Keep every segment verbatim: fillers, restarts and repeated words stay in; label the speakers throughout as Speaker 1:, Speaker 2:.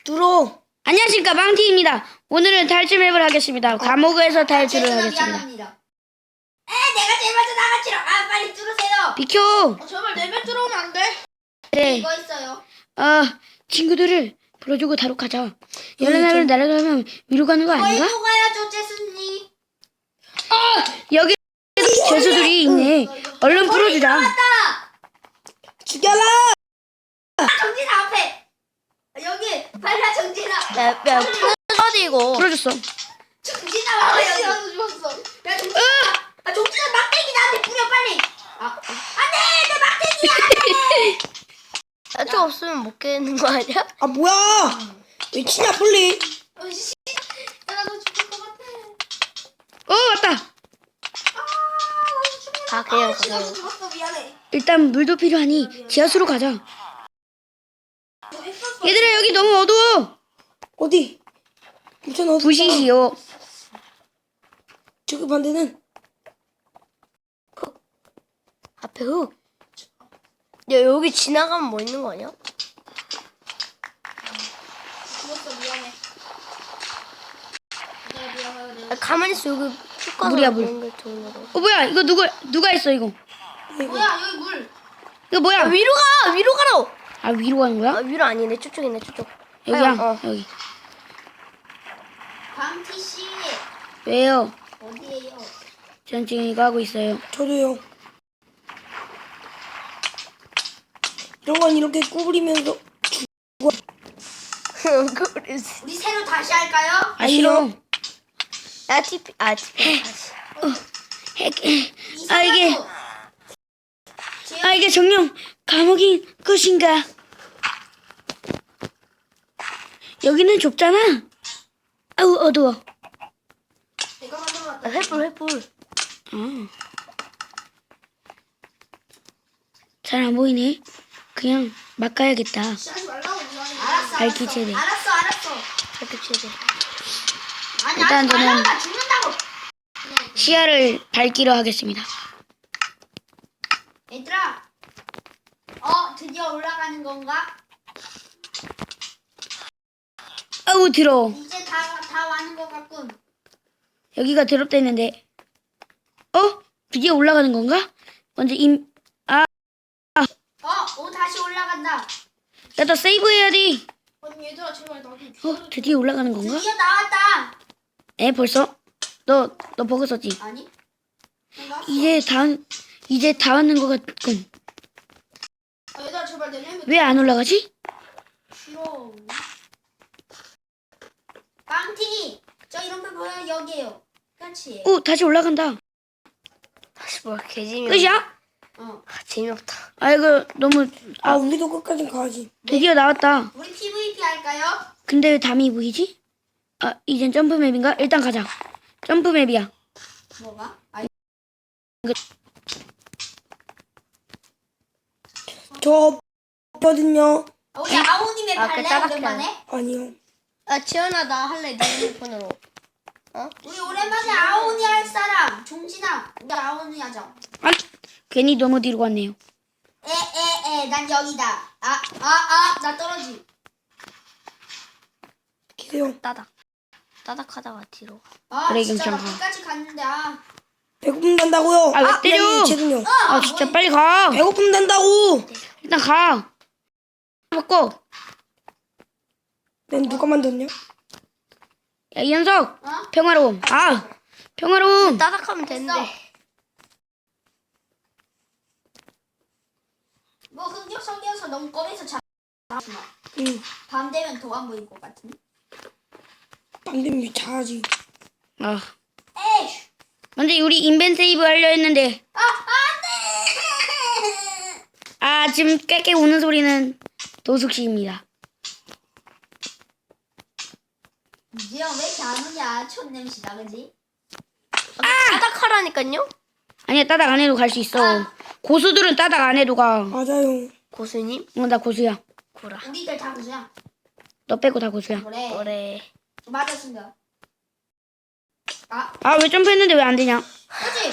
Speaker 1: 뚫어.
Speaker 2: 안녕하십니까, 망티입니다. 오늘은 탈출맵을 하겠습니다. 감옥에서 탈출을
Speaker 3: 죄송합니다.
Speaker 2: 하겠습니다.
Speaker 3: 미안합니다. 에 내가 제일 먼저 나가치러. 아 빨리 뚫으세요.
Speaker 2: 비켜!
Speaker 1: 어, 제발 내면 들어오면 안 돼.
Speaker 2: 네,
Speaker 3: 이거 있어요.
Speaker 2: 아, 친구들을 불러주고 다록하자. 열나를 날아가면 위로 가는 거 아닌가?
Speaker 3: 어디로 가야죠, 제수님?
Speaker 2: 여기 죄수들이 있네. 얼른 풀어주자.
Speaker 3: 왔다.
Speaker 1: 죽여라.
Speaker 3: 아, 정진아 앞에. 여기 빨리 정진아.
Speaker 1: 야, 야, 풀어지 이거.
Speaker 2: 풀어줬어.
Speaker 3: 정진아 와봐 여기. 나도 죽었어. 야 정진아. 아 정진아 막대기 나한테 뿌려 빨리. 아 안돼 내 막대기야.
Speaker 1: 야채 없으면 못 깨는 거 아니야?
Speaker 4: 아 뭐야? 왜 치냐 빨리?
Speaker 3: 어, 씨. 야, 나도 죽을 것 같아.
Speaker 2: 어, 왔다.
Speaker 3: 아 나도 죽을
Speaker 1: 아, 그냥
Speaker 3: 아, 씨, 나도
Speaker 1: 가세요.
Speaker 3: 죽었어 미안해.
Speaker 2: 일단 물도 필요하니 지하수로 가자.
Speaker 3: 너 했었어.
Speaker 2: 얘들아, 여기 너무 어두워.
Speaker 4: 어디? 괜찮아.
Speaker 2: 부시시오.
Speaker 4: 저기 반대는
Speaker 1: 앞에 흙. 야, 여기 지나가면 뭐 있는 거 아니야?
Speaker 3: 죽었어 미안해. 내가 미안해. 내가
Speaker 1: 아, 가만히 있어. 여기 쭉 가서
Speaker 2: 물이야, 물.
Speaker 1: 연결 되는 거.
Speaker 2: 어, 뭐야? 이거 누구, 누가 했어, 이거?
Speaker 3: 뭐야 여기 물.
Speaker 2: 이거 뭐야?
Speaker 1: 아, 위로 가! 위로 가라!
Speaker 2: 아, 위로 가는
Speaker 1: 아,
Speaker 2: 거야?
Speaker 1: 위로 아니네. 저쪽이네, 저쪽.
Speaker 2: 여기야,
Speaker 1: 어, 어.
Speaker 2: 여기.
Speaker 3: 방티 씨
Speaker 2: 왜요?
Speaker 3: 어디에요?
Speaker 2: 전 지금 이거 하고 있어요.
Speaker 4: 저도요. 이런 건 이렇게 구부리면서
Speaker 1: 그래서.
Speaker 3: 우리 새로 다시 할까요?
Speaker 2: 아, 싫어.
Speaker 1: 아, 티피. 아, 티피. 다시.
Speaker 2: 핵,
Speaker 3: 이
Speaker 2: 아, 이게,
Speaker 3: 사람도 제-
Speaker 2: 아, 이게 정녕 감옥인 것인가? 여기는 좁잖아. 아우, 어두워.
Speaker 3: 내가 만들어놨다.
Speaker 1: 아, 횃불, 횃불.
Speaker 2: 어. 잘 안 보이네. 그냥 막 가야겠다.
Speaker 3: 하지 말라고 미안해. 알았어.
Speaker 2: 밝기
Speaker 3: 알았어.
Speaker 2: 최대.
Speaker 3: 알았어. 알았어.
Speaker 1: 밝기 최대.
Speaker 3: 아니
Speaker 2: 일단
Speaker 3: 하지 말라고
Speaker 2: 저는-
Speaker 3: 나 죽는다고.
Speaker 2: 시야를 밝기로 하겠습니다.
Speaker 3: 얘들아. 어 드디어 올라가는 건가?
Speaker 2: 아우, 더러워.
Speaker 3: 이제 다 다 와는 것 같군.
Speaker 2: 여기가 더럽다했는데. 어? 드디어 올라가는 건가? 먼저 임, 아,
Speaker 3: 어, 오 다시 올라간다.
Speaker 2: 야, 나 세이브 해야 돼.
Speaker 3: 아니 얘들아 제발 나도.
Speaker 2: 어? 드디어 올라가는 건가?
Speaker 3: 드디어 나왔다.
Speaker 2: 에, 벌써? 너, 너 버그 썼지?
Speaker 3: 아니? 나왔어.
Speaker 2: 이제 다, 이제 다 왔는 것 같군.
Speaker 3: 아, 얘들아 제발 내 램프
Speaker 2: 왜 안 올라가지?
Speaker 3: 싫어. 빵티. 저 이런 거 보여 여기에요. 그렇지.
Speaker 2: 오, 다시 올라간다.
Speaker 1: 다시 뭐, 개재미없.
Speaker 2: 끝이야?
Speaker 3: 어.
Speaker 1: 아, 재미없다.
Speaker 2: 아, 이거 너무,
Speaker 4: 아
Speaker 2: 아,
Speaker 4: 우리도 끝까지 가야지.
Speaker 2: 드디어 나왔다.
Speaker 3: 우리 피브이피 할까요?
Speaker 2: 근데 왜 담이 보이지? 아, 이젠 점프맵인가? 일단 가자. 점프맵이야.
Speaker 3: 뭐가? 아,
Speaker 4: 저 거든요.
Speaker 3: 우리 아오님의
Speaker 1: 아, 그
Speaker 3: 발레
Speaker 1: 따박해.
Speaker 3: 오랜만에.
Speaker 4: 아니요.
Speaker 1: 아, 지연아, 나 할래. 내 핸드폰으로.
Speaker 3: 우리 오랜만에 아오니 할 사람. 종진아. 우리 아오니 하자.
Speaker 2: 아, 괜히 너무 뒤로 갔네요.
Speaker 3: 에에에 난 여기다. 아 아 아 나 떨어지.
Speaker 4: 기세요.
Speaker 1: 따닥. 따닥하다가 뒤로.
Speaker 3: 아
Speaker 2: 그래,
Speaker 3: 진짜 나
Speaker 2: 괜찮아.
Speaker 3: 끝까지 갔는데 아.
Speaker 4: 배고픈단다고요.
Speaker 2: 아, 왜 때려?
Speaker 4: 제군요.
Speaker 2: 아, 진짜 빨리 가.
Speaker 4: 배고픈단다고.
Speaker 2: 일단 가. 먹고.
Speaker 4: 난 누가 만들었냐?
Speaker 2: 야, 이현석.
Speaker 3: 어?
Speaker 2: 평화로움. 아, 평화로움.
Speaker 1: 따닥하면 되는데.
Speaker 3: 뭐 흑역석이어서 너무 꺼내서 잘.
Speaker 4: 응.
Speaker 3: 밤 되면 더 안 보일 것 같은.
Speaker 4: 빵dem이 잘하지.
Speaker 2: 아,
Speaker 3: 에이.
Speaker 2: 먼저 우리 인벤 세이브 하려 했는데.
Speaker 3: 아 안돼.
Speaker 2: 아, 지금 깨깨 우는 소리는 도숙 씨입니다.
Speaker 3: 이제 왜 이렇게 안 오냐? 촌 냄새다 그지?
Speaker 1: 아! 따닥하라니까요?
Speaker 2: 아니야, 따닥 안 해도 갈 수 있어. 고수들은 따닥 안 해도 가.
Speaker 4: 맞아요.
Speaker 1: 고수님?
Speaker 2: 어, 나 고수야.
Speaker 1: 구라.
Speaker 3: 우리들 다 그냥.
Speaker 2: 너 빼고 다 고수야.
Speaker 3: 그래.
Speaker 1: 그래.
Speaker 3: 맞았습니다. 아
Speaker 2: 아, 왜 점프했는데 왜 안 되냐?
Speaker 3: 그지?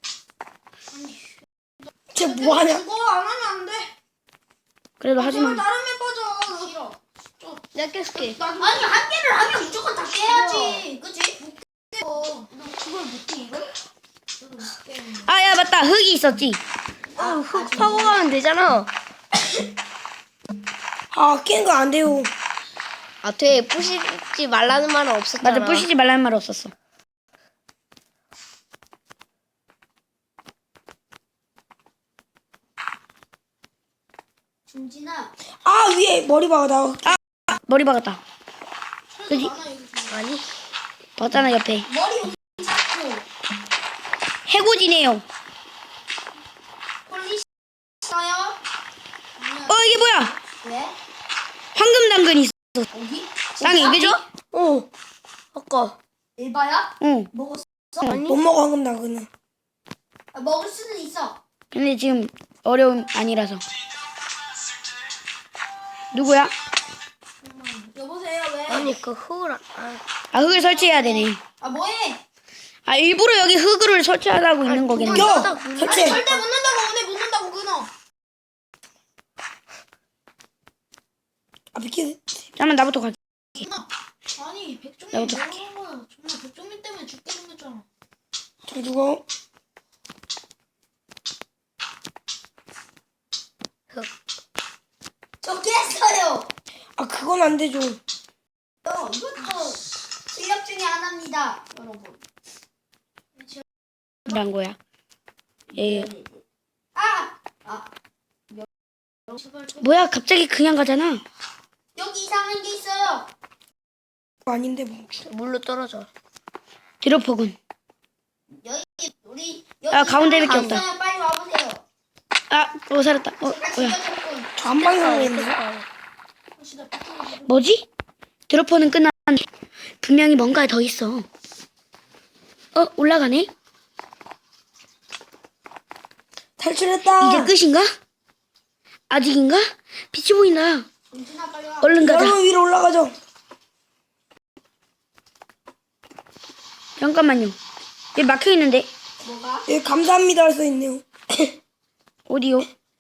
Speaker 4: 쟤 뭐하냐?
Speaker 3: 그거 안 하면 안 돼.
Speaker 2: 그래도 하지 마.
Speaker 3: 다른 애 빠져. 싫어. 좀.
Speaker 1: 내가 깰게.
Speaker 3: 아니 한 개를 하면 무조건 다 깨야지. 그치? 못 깨. 너 그걸 못 깨 이걸? 너도 못 깨.
Speaker 2: 아, 야, 맞다. 흙이 있었지.
Speaker 1: 어, 흙 파고 가면 되잖아.
Speaker 4: 아, 깬 거 안 돼요.
Speaker 1: 아, 돼. 부시지 말라는 말은 없었잖아.
Speaker 2: 맞아, 부시지 말라는 말 없었어.
Speaker 3: 준진아.
Speaker 4: 아, 위에 머리 박아, 나.
Speaker 2: 아, 머리 박았다. 그지?
Speaker 3: 많아 여기 좀.
Speaker 1: 아니.
Speaker 2: 박잖아, 옆에.
Speaker 3: 머리 여기 잡고.
Speaker 2: 해고지네요.
Speaker 3: 폴리시 써요?
Speaker 2: 어, 이게 뭐야?
Speaker 3: 왜?
Speaker 2: 황금 당근이 있어.
Speaker 3: 어디?
Speaker 2: 땅에, 그지?
Speaker 1: 어. 아까.
Speaker 3: 일바야?
Speaker 2: 응.
Speaker 3: 먹었어?
Speaker 1: 아니.
Speaker 4: 못 먹어, 황금 당근은.
Speaker 3: 아, 먹을 수는 있어.
Speaker 2: 근데 지금 어려움 아니라서. 누구야?
Speaker 3: 여보세요 왜?
Speaker 1: 아니, 그 흙을, 안- 아,
Speaker 2: 아, 흙을 설치해야 되네.
Speaker 3: 아 뭐해?
Speaker 2: 아, 일부러 여기 흙을 설치하라고 있는 거겠네.
Speaker 4: 야!
Speaker 3: 아니
Speaker 4: 설치해.
Speaker 3: 절대 못 넣는다고 오늘 못 넣는다고 끊어.
Speaker 4: 아, 비키.
Speaker 2: 잠깐만, 나부터 갈게.
Speaker 3: 끊어. 아니 백종민
Speaker 2: 나부터
Speaker 3: 뭐 하는 거야? 정말 백종민 때문에 죽게 생겼잖아.
Speaker 4: 저 죽어.
Speaker 1: 흙.
Speaker 3: 저 깼어요.
Speaker 4: 아, 그건 안 되죠.
Speaker 3: 어, 이것도 실력 중에 하나입니다, 여러분.
Speaker 2: 란 거야. 예.
Speaker 3: 아, 아, 제발 좀-
Speaker 2: 뭐야, 갑자기 그냥 가잖아.
Speaker 3: 여기 이상한 게 있어요.
Speaker 4: 그거 아닌데, 뭐.
Speaker 1: 물로 떨어져.
Speaker 2: 드롭퍼군.
Speaker 3: 여기 우리 여기
Speaker 2: 아, 가운데밖에
Speaker 3: 이상한 게
Speaker 2: 없다.
Speaker 3: 있어요. 빨리 와보세요.
Speaker 2: 아, 어, 살았다. 어,
Speaker 3: 제가
Speaker 2: 뭐야.
Speaker 3: 죽여줬군.
Speaker 4: 저 한 방에 살아있네.
Speaker 3: 시다 빡빡이.
Speaker 2: 뭐지? 드롭퍼는 끝났는데 분명히 뭔가 더 있어. 어, 올라가네?
Speaker 4: 탈출했다.
Speaker 2: 이제 끝인가? 아직인가? 빛이 보인다.
Speaker 3: 정진아 빨리 와.
Speaker 2: 얼른 가자.
Speaker 4: 여러분 위로 올라가죠.
Speaker 2: 잠깐만요. 여기 막혀 있는데
Speaker 3: 뭐가?
Speaker 4: 여기 감사합니다 할 수 있네요.
Speaker 2: 어디요?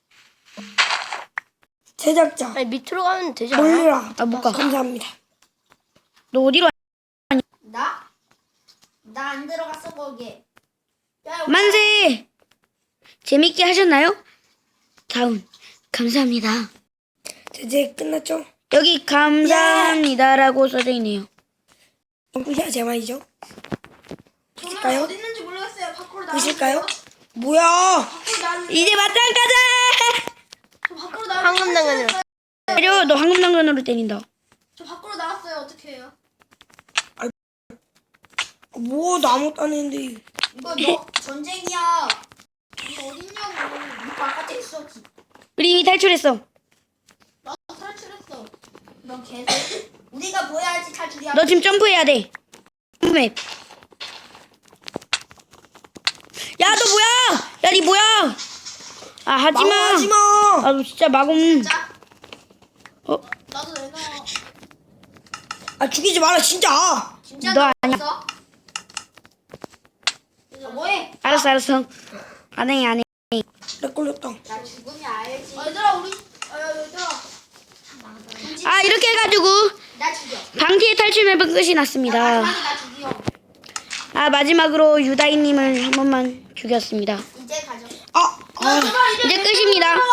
Speaker 4: 제작자.
Speaker 1: 아니, 밑으로 가면 되지 않아?
Speaker 4: 몰라.
Speaker 2: 아, 못 가.
Speaker 4: 감사합니다.
Speaker 2: 너 어디로? 와?
Speaker 3: 나? 나 안 들어갔어 거기에. 야, 여기
Speaker 2: 만세! 재밌게 하셨나요? 다운. 감사합니다.
Speaker 4: 이제 끝났죠?
Speaker 2: 여기 감사합니다라고 써져 있네요.
Speaker 4: 끝이야 제 말이죠.
Speaker 3: 저는
Speaker 4: 보실까요?
Speaker 3: 어디 있는지 모르겠어요. 밖으로 나와.
Speaker 4: 보실까요? 뭐야?
Speaker 3: 밖으로 나와.
Speaker 2: 이제 맞짱 가자!
Speaker 3: 저 밖으로 나와.
Speaker 1: 황금 당근으로.
Speaker 2: 때려, 너 황금 당근으로 때린다.
Speaker 3: 저 밖으로 나왔어요. 어떻게 해요?
Speaker 4: 뭐 아무것도 안 했는데.
Speaker 3: 이거 너 전쟁이야. 이거 어딨냐고. 이거 바깥에 있어.
Speaker 2: 우리 이미 탈출했어.
Speaker 3: 나도 탈출했어. 넌 계속 우리가 보여야지 탈출이야.
Speaker 2: 너 지금 점프해야 돼. 점프맵. 야, 너 뭐야? 야, 니 뭐야? 아, 하지마.
Speaker 4: 하지마.
Speaker 2: 아, 너 진짜 마공.
Speaker 3: 자,
Speaker 2: 어,
Speaker 3: 나도 내놔.
Speaker 4: 아 죽이지 마라 진짜.
Speaker 3: 진짜
Speaker 2: 너
Speaker 3: 너
Speaker 2: 아니야.
Speaker 3: 없어? 이거 뭐해?
Speaker 2: 알았어, 알았어. 안 해, 안 해.
Speaker 4: 렉 걸렸다.
Speaker 3: 나 죽으면 알지. 아, 얘들아 우리. 아, 얘들아.
Speaker 2: 아, 이렇게 해가지고
Speaker 3: 나 죽여.
Speaker 2: 방티의 탈출 맵은 끝이
Speaker 3: 야,
Speaker 2: 났습니다.
Speaker 3: 마지막에 나 죽여.
Speaker 2: 아, 마지막으로 유다이님을 한 번만 죽였습니다.
Speaker 3: 이제 가져.
Speaker 4: 아.
Speaker 3: 아,
Speaker 2: 이제 끝입니다.